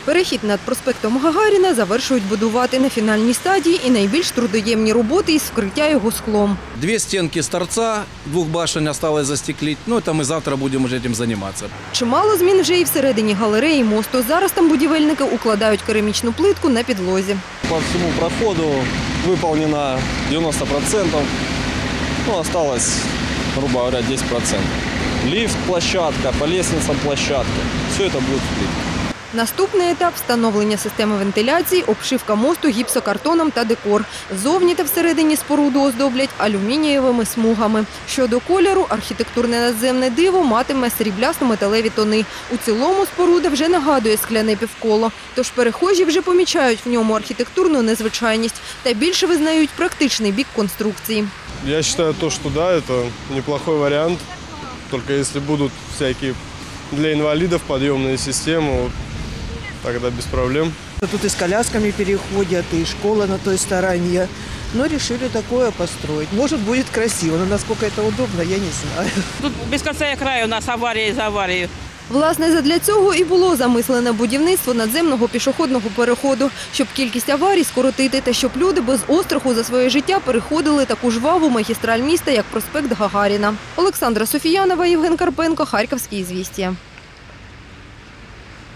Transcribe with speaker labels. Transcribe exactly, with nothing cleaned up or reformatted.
Speaker 1: Перехід над проспектом Гагаріна завершують будувати на фінальній стадії і найбільш трудоємні роботи із вкриття його склом.
Speaker 2: Дві стінки з торця, двох башень залишилось застеклити. Ну, це ми завтра будемо вже цим займатися.
Speaker 1: Чимало змін вже і всередині галереї мосту. Зараз там будівельники укладають керамічну плитку на підлозі.
Speaker 3: По всьому проходу виконано дев'яносто відсотків, ну, залишилось, грубо говоря, десять відсотків. Ліфт, площадка, по лестницям площадка. Все це буде в плитці.
Speaker 1: Наступний етап – встановлення системи вентиляції, обшивка мосту гіпсокартоном та декор. Зовні та всередині споруду оздоблять алюмінієвими смугами. Щодо кольору, архітектурне надземне диво матиме сріблясто-металеві тони. У цілому споруда вже нагадує скляне півколо. Тож перехожі вже помічають в ньому архітектурну незвичайність та більше визнають практичний бік конструкції.
Speaker 4: Я вважаю, що да, це неплохой варіант. Тільки якщо будуть всякі для інвалідів підйомні системи, тогда без проблем.
Speaker 5: Тут и с колясками переходят, и школа на той стороне. Но решили такое построить. Может, будет красиво, но насколько это удобно, я не знаю.
Speaker 6: Тут без конца и краю у нас аварії за аварією.
Speaker 1: Власне, задля цього і було замислене будівництво надземного пішохідного переходу, щоб кількість аварій скоротити та щоб люди без остраху за своє життя переходили таку жваву магістраль міста, як проспект Гагаріна. Олександра Софіянова, Євген Карпенко, Харківські ізвістія.